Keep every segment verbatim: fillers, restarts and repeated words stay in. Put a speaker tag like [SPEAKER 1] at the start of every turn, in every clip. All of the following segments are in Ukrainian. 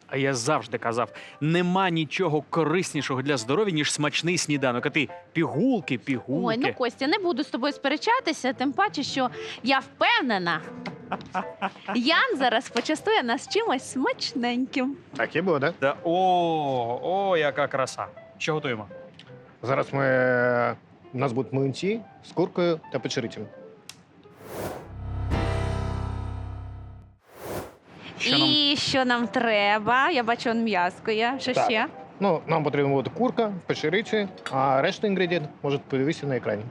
[SPEAKER 1] А я завжди казав, нема нічого кориснішого для здоров'я, ніж смачний сніданок. А ти пігулки, пігулки.
[SPEAKER 2] Ой, ну Костя, не буду з тобою сперечатися, тим паче, що я впевнена, Ян зараз почастує нас чимось смачненьким.
[SPEAKER 3] Так і буде.
[SPEAKER 1] Да, о, о, яка краса. Що готуємо?
[SPEAKER 3] Зараз ми... у нас будуть млинці з куркою та печерицями.
[SPEAKER 1] Що нам?
[SPEAKER 2] І що нам треба? Я бачу, он м'язко є. Що
[SPEAKER 3] Так.
[SPEAKER 2] ще?
[SPEAKER 3] Ну, нам потрібна буде курка, печериці, а решту інгредієнт можуть подивитися на екрані.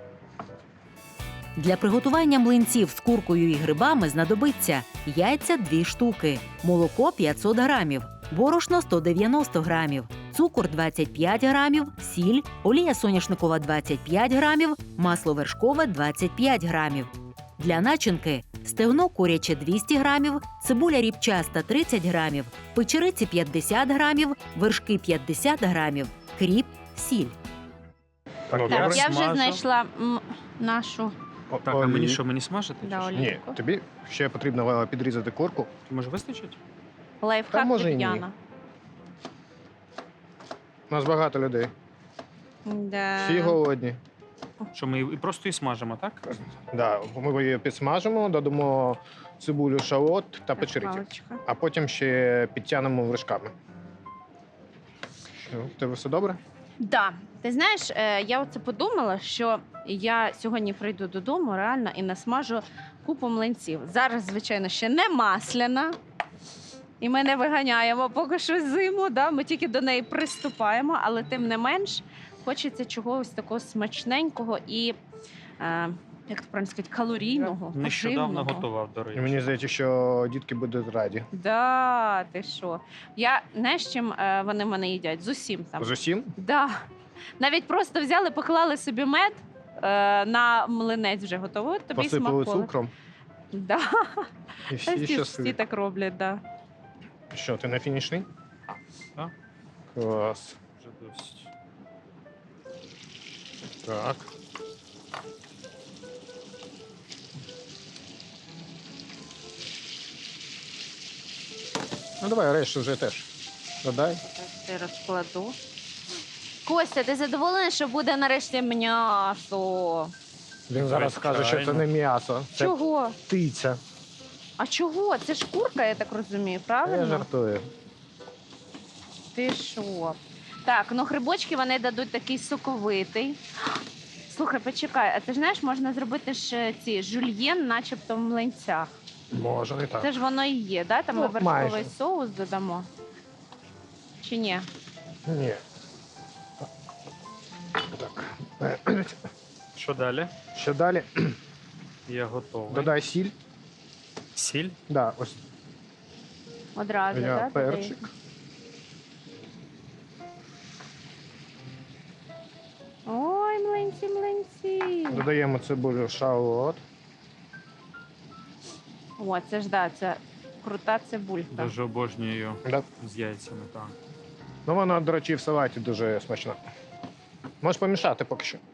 [SPEAKER 4] Для приготування млинців з куркою і грибами знадобиться яйця дві штуки, молоко п'ятсот грамів, борошно сто дев'яносто грамів, цукор двадцять п'ять грамів, сіль, олія соняшникова двадцять п'ять грамів, масло вершкове двадцять п'ять грамів. Для начинки стегно куряче двісті грамів, цибуля ріпчаста тридцять грамів, печериці п'ятдесят грамів, вершки п'ятдесят грамів, кріп, сіль.
[SPEAKER 3] Так,
[SPEAKER 1] Ну,
[SPEAKER 2] Так,
[SPEAKER 1] добре.
[SPEAKER 2] я вже
[SPEAKER 1] Смажу.
[SPEAKER 2] знайшла м, нашу
[SPEAKER 3] О-
[SPEAKER 1] Так, а мені
[SPEAKER 3] олії.
[SPEAKER 1] що, мені смажити?
[SPEAKER 2] Да,
[SPEAKER 1] чи що?
[SPEAKER 2] олію.
[SPEAKER 3] Ні, тобі ще потрібно е, підрізати курку.
[SPEAKER 1] Може вистачить?
[SPEAKER 2] лайфхак
[SPEAKER 3] Та може і
[SPEAKER 2] від
[SPEAKER 3] ні.
[SPEAKER 2] Яна.
[SPEAKER 3] У нас багато людей.
[SPEAKER 2] Да.
[SPEAKER 3] Всі голодні.
[SPEAKER 1] Що ми і просто і смажимо, так?
[SPEAKER 3] Да, ми її підсмажимо, додамо цибулю, шалот та
[SPEAKER 2] Так,
[SPEAKER 3] печериці.
[SPEAKER 2] паличка.
[SPEAKER 3] А потім ще підтягнемо вершками. Що, в тебе все добре?
[SPEAKER 2] Да. Ти знаєш, е, я оце подумала, що я сьогодні прийду додому реально і насмажу купу млинців. Зараз, звичайно, ще не масляна. І ми не виганяємо поки що зиму, да? Ми тільки до неї приступаємо, але тим не менш хочеться чогось такого смачненького і, е, як то правильно сказати, калорійного.
[SPEAKER 1] Нещодавно
[SPEAKER 2] поживного.
[SPEAKER 1] готував, до
[SPEAKER 3] І
[SPEAKER 1] речі.
[SPEAKER 3] мені здається, що дітки будуть раді.
[SPEAKER 2] Да, ти що? Я знаєш, чим е, вони в мене їдять? З усім там.
[SPEAKER 3] З усім?
[SPEAKER 2] Да. Навіть просто взяли, поклали собі мед е, на млинець вже готовий. Тобі
[SPEAKER 3] Посипали
[SPEAKER 2] смаколи.
[SPEAKER 3] цукром.
[SPEAKER 2] Да.
[SPEAKER 3] І
[SPEAKER 2] Та
[SPEAKER 3] всі
[SPEAKER 2] всі, всі
[SPEAKER 3] щасливі.
[SPEAKER 2] так роблять, да.
[SPEAKER 3] Що, ти на фінішній?
[SPEAKER 1] Так.
[SPEAKER 3] Клас.
[SPEAKER 1] Вже досить.
[SPEAKER 3] Так. Ну давай решту вже теж. Додай.
[SPEAKER 2] Зараз я розкладу. Костя, ти задоволений, що буде нарешті м'ясо?
[SPEAKER 3] Він зараз скаже, що це
[SPEAKER 1] Звичайно.
[SPEAKER 3] не м'ясо, це
[SPEAKER 2] Чого?
[SPEAKER 3] птиця.
[SPEAKER 2] А чого? Це ж курка, я так розумію,
[SPEAKER 3] Я
[SPEAKER 2] правильно?
[SPEAKER 3] жартую.
[SPEAKER 2] Ти що? Так, ну грибочки вони дадуть такий соковитий. Слухай, почекай, а ти ж знаєш, можна зробити ж ці жульєн, начебто в млинцях.
[SPEAKER 3] Може, не так.
[SPEAKER 2] Це ж воно і є, да? Там ми
[SPEAKER 3] Ну,
[SPEAKER 2] вершковий
[SPEAKER 3] майже.
[SPEAKER 2] соус додамо. Чи ні?
[SPEAKER 3] Ні. Так.
[SPEAKER 1] Що далі?
[SPEAKER 3] Що далі?
[SPEAKER 1] Я готовий.
[SPEAKER 3] Додай сіль.
[SPEAKER 1] Сіль?
[SPEAKER 3] Да, ось
[SPEAKER 2] Одразу,
[SPEAKER 3] я
[SPEAKER 2] да?
[SPEAKER 3] перчик.
[SPEAKER 2] додаєш? Ой, млинці, млинці.
[SPEAKER 3] Додаємо цибулю, шалот.
[SPEAKER 2] О, це ж да, це крута цибулька.
[SPEAKER 1] Дуже обожнюю
[SPEAKER 3] Да.
[SPEAKER 1] з яйцями, так.
[SPEAKER 3] Ну, вона, до речі, в салаті дуже смачна. Можеш помішати поки що.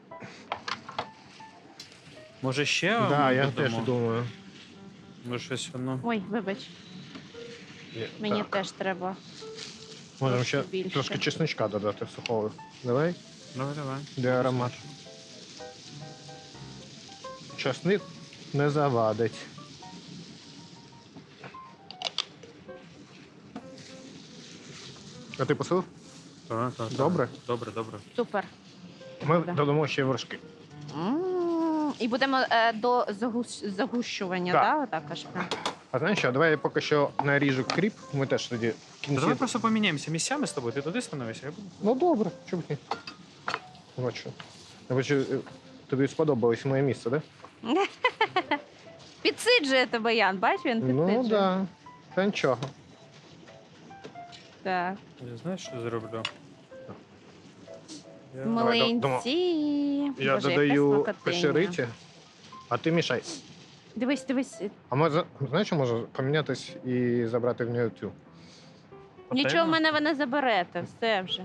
[SPEAKER 1] Може ще
[SPEAKER 3] Так, да, я
[SPEAKER 1] додамо?
[SPEAKER 3] теж думаю.
[SPEAKER 1] Може щось воно...
[SPEAKER 2] Ой, вибач,
[SPEAKER 3] Є,
[SPEAKER 2] мені
[SPEAKER 3] так.
[SPEAKER 2] теж треба.
[SPEAKER 3] Можемо
[SPEAKER 2] трошки
[SPEAKER 3] ще
[SPEAKER 2] більше.
[SPEAKER 3] трошки чесночка додати сухого. Давай,
[SPEAKER 1] Давай, давай.
[SPEAKER 3] де аромат. Чесник не завадить. А ти посилив?
[SPEAKER 1] Так, так, так.
[SPEAKER 3] Добре?
[SPEAKER 1] Добре, добре.
[SPEAKER 2] Супер.
[SPEAKER 3] Ми
[SPEAKER 2] Да.
[SPEAKER 3] додамо ще вершки.
[SPEAKER 2] М, І будемо е, до загус... загущування,
[SPEAKER 3] Так.
[SPEAKER 2] да? Отак аж прям.
[SPEAKER 3] А знаєш що, давай я поки що наріжу кріп, ми теж тоді в
[SPEAKER 1] Та
[SPEAKER 3] кінці.
[SPEAKER 1] давай просто поміняємося місцями з тобою. Ти туди становишся, я буду.
[SPEAKER 3] Ну добре, чому б ні. Бачу. Я бачу, е, тобі сподобалось моє місце, так? Да?
[SPEAKER 2] Підсиджує тебе Ян, бач, він підсиджує.
[SPEAKER 3] Ну так. Да. Та нічого.
[SPEAKER 2] Так.
[SPEAKER 1] Я знаєш, що зроблю? Я...
[SPEAKER 3] Давай, до- дома.
[SPEAKER 2] Млинці.
[SPEAKER 3] Я
[SPEAKER 2] Боже,
[SPEAKER 3] додаю
[SPEAKER 2] яка смакотиня.
[SPEAKER 3] печериці, а ти мішай.
[SPEAKER 2] Дивись, дивись.
[SPEAKER 3] А може, знаєш, що може помінятись і забрати в нього цю?
[SPEAKER 2] Нічого в мене ви не заберете, все вже.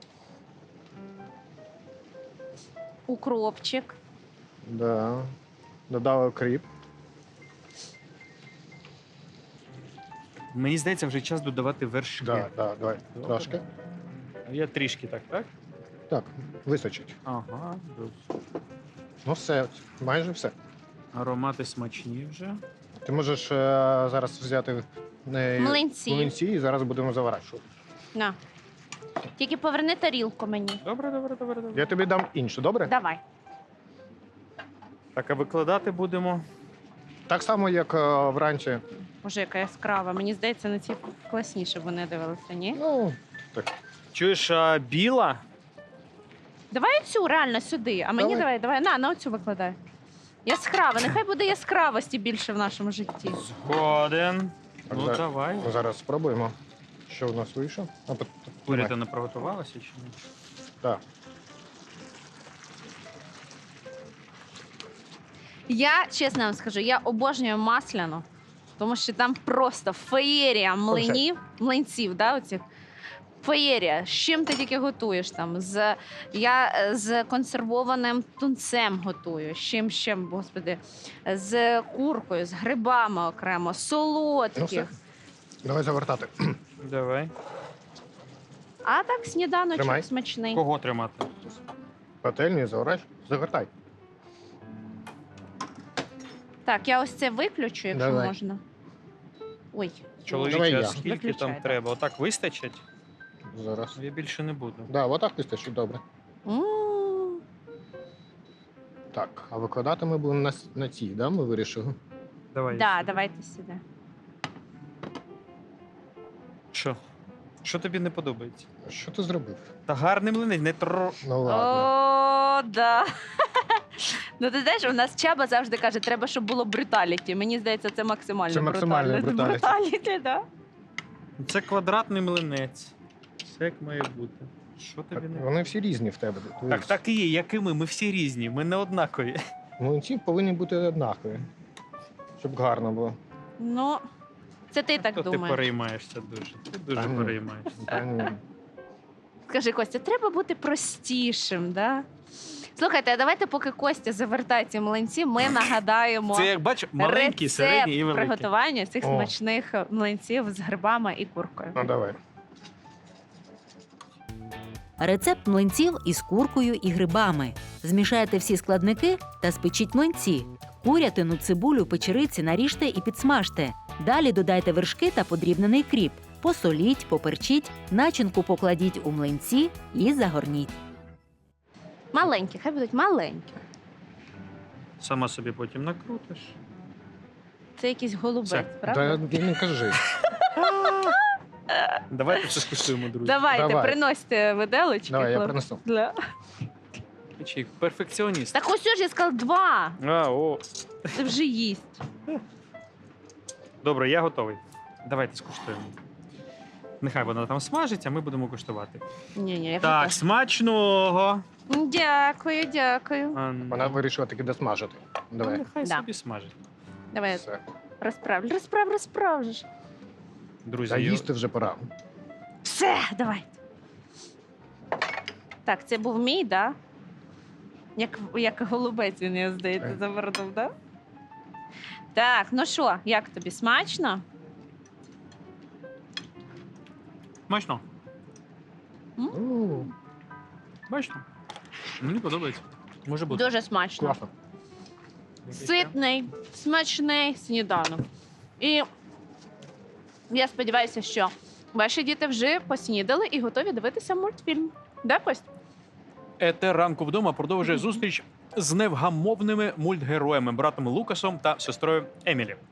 [SPEAKER 2] Укропчик.
[SPEAKER 3] Да. Додали кріп.
[SPEAKER 1] Мені здається, вже час додавати вершки.
[SPEAKER 3] Да, да, давай.
[SPEAKER 1] Добре.
[SPEAKER 3] Трошки.
[SPEAKER 1] Я трішки так, так?
[SPEAKER 3] Так, вистачить.
[SPEAKER 1] Ага.
[SPEAKER 3] Ну все, майже все.
[SPEAKER 1] Аромати смачні вже.
[SPEAKER 3] Ти можеш е, зараз взяти е,
[SPEAKER 2] Млинці.
[SPEAKER 3] млинці і зараз будемо заворачувати.
[SPEAKER 2] На. Тільки поверни тарілку мені.
[SPEAKER 1] Добре, добре, добре, добре.
[SPEAKER 3] Я тобі дам іншу, добре?
[SPEAKER 2] Давай.
[SPEAKER 1] Так, а викладати будемо.
[SPEAKER 3] Так само, як е, вранці.
[SPEAKER 2] Боже, яка яскрава. Мені здається, на ці класніше вони дивилися, ні?
[SPEAKER 3] Ну, так.
[SPEAKER 1] Чуєш, а біла?
[SPEAKER 2] Давай цю реально сюди, а мені
[SPEAKER 3] Давай.
[SPEAKER 2] давай, давай, на, на оцю викладай. Яскрава, нехай буде яскравості більше в нашому житті.
[SPEAKER 1] Згоден.
[SPEAKER 3] Так,
[SPEAKER 1] Ну,
[SPEAKER 3] зараз.
[SPEAKER 1] давай.
[SPEAKER 3] Зараз спробуємо, що в нас вийшло. А, пот-
[SPEAKER 1] Куря,
[SPEAKER 3] давай.
[SPEAKER 1] ти не приготувалася чи ні?
[SPEAKER 3] Так.
[SPEAKER 2] Я чесно вам скажу, я обожнюю масляну, тому що там просто феєрія млинів, млинців, да, оцих. Феєрія. З чим ти тільки готуєш там? З, я е, з консервованим тунцем готую. З чим ще, господи, з куркою, з грибами окремо,
[SPEAKER 3] Ну все.
[SPEAKER 2] солодких.
[SPEAKER 3] Давай завертати.
[SPEAKER 1] Давай.
[SPEAKER 2] А так сніданочок
[SPEAKER 3] Тримай.
[SPEAKER 2] смачний.
[SPEAKER 1] Кого тримати?
[SPEAKER 3] Пательню заворач. Завертай.
[SPEAKER 2] Так, я ось це виключу, якщо
[SPEAKER 3] Давай.
[SPEAKER 2] можна. Ой.
[SPEAKER 3] Давай
[SPEAKER 1] Чоловіче,
[SPEAKER 3] я.
[SPEAKER 1] а скільки
[SPEAKER 2] Виключай,
[SPEAKER 1] там
[SPEAKER 2] так.
[SPEAKER 1] треба? Отак вистачить?
[SPEAKER 3] Зараз.
[SPEAKER 1] Я більше не буду.
[SPEAKER 3] Да, отак вистачить, добре.
[SPEAKER 2] М.
[SPEAKER 3] Так, а викладати ми будемо на, с- на цій, да? Ми вирішили.
[SPEAKER 1] Давай.
[SPEAKER 2] Да, давайте сюди.
[SPEAKER 1] Що? Що тобі не подобається?
[SPEAKER 3] Що ти зробив?
[SPEAKER 1] Та гарний млинець, не тро.
[SPEAKER 3] Ну ладно.
[SPEAKER 2] О, да. Ну, ти знаєш, у нас Чаба завжди каже, треба, щоб було бруталіті. Мені здається, це максимально
[SPEAKER 3] Це максимальне бруталіті.
[SPEAKER 2] Бруталіті, да.
[SPEAKER 1] Це квадратний млинець. Все як має бути. Що
[SPEAKER 3] Так,
[SPEAKER 1] тобі не
[SPEAKER 3] вони всі різні в тебе.
[SPEAKER 1] Так,
[SPEAKER 3] дивись.
[SPEAKER 1] так і є, як і ми. Ми всі різні, ми не однакові.
[SPEAKER 3] Млинці повинні бути однакові. Щоб гарно було.
[SPEAKER 2] Ну, це ти так
[SPEAKER 1] То ти
[SPEAKER 2] думаєш.
[SPEAKER 1] переймаєшся дуже. Ти дуже
[SPEAKER 3] Та ні.
[SPEAKER 1] переймаєшся.
[SPEAKER 3] Та ні.
[SPEAKER 2] Скажи, Костя, треба бути простішим, да? Слухайте, а давайте, поки Костя завертає ці млинці, ми нагадаємо
[SPEAKER 1] Це як бачиш, маленький,
[SPEAKER 2] рецепт
[SPEAKER 1] середній і великий.
[SPEAKER 2] приготування цих
[SPEAKER 3] О.
[SPEAKER 2] смачних млинців з грибами і куркою.
[SPEAKER 3] Ну давай.
[SPEAKER 4] Рецепт млинців із куркою і грибами. Змішайте всі складники та спечіть млинці. Курятину, цибулю, печериці наріжте і підсмажте. Далі додайте вершки та подрібнений кріп. Посоліть, поперчіть, начинку покладіть у млинці і загорніть.
[SPEAKER 2] Маленькі, хай будуть маленькі.
[SPEAKER 1] Сама собі потім накрутиш.
[SPEAKER 2] Це якийсь голубець,
[SPEAKER 1] Все.
[SPEAKER 2] правда?
[SPEAKER 3] Та не кажи.
[SPEAKER 1] Давайте це скуштуємо, друзі.
[SPEAKER 2] Давайте,
[SPEAKER 3] Давай.
[SPEAKER 2] приносьте виделочки.
[SPEAKER 3] Давай, я
[SPEAKER 2] хлоп-
[SPEAKER 3] принесу.
[SPEAKER 2] Да.
[SPEAKER 1] Чи перфекціоніст.
[SPEAKER 2] Так ось ж я сказала два.
[SPEAKER 1] А, о.
[SPEAKER 2] Це вже їсть.
[SPEAKER 1] Добре, я готовий. Давайте скуштуємо. Нехай вона там смажить, а ми будемо куштувати.
[SPEAKER 2] Ні, ні, я
[SPEAKER 1] Так,
[SPEAKER 2] вже
[SPEAKER 1] смачного.
[SPEAKER 2] теж. Дякую, дякую.
[SPEAKER 1] А, ну,
[SPEAKER 3] Вона вирішила таки досмажити.
[SPEAKER 1] ну,
[SPEAKER 3] Давай.
[SPEAKER 1] нехай
[SPEAKER 2] Да.
[SPEAKER 1] собі смажить.
[SPEAKER 2] Давай
[SPEAKER 3] Все.
[SPEAKER 2] розправлю. Розправ, розправ же ж.
[SPEAKER 1] Друзі,
[SPEAKER 3] Та
[SPEAKER 1] я-
[SPEAKER 3] їсти вже пора.
[SPEAKER 2] Все, давайте. Так, це був мій, да? Як, як голубець він, я здається,
[SPEAKER 3] Так.
[SPEAKER 2] завернув, да? Так, ну що, як тобі смачно?
[SPEAKER 1] Смачно.
[SPEAKER 3] У,
[SPEAKER 1] Смачно. Мені подобається. Може бути.
[SPEAKER 2] Дуже смачно.
[SPEAKER 3] Класно.
[SPEAKER 2] Ситний, смачний сніданок. І я сподіваюся, що ваші діти вже поснідали і готові дивитися мультфільм. Да, Кость?
[SPEAKER 1] Етер ранку вдома продовжує зустріч з невгамовними мультгероями братом Лукасом та сестрою Емілі.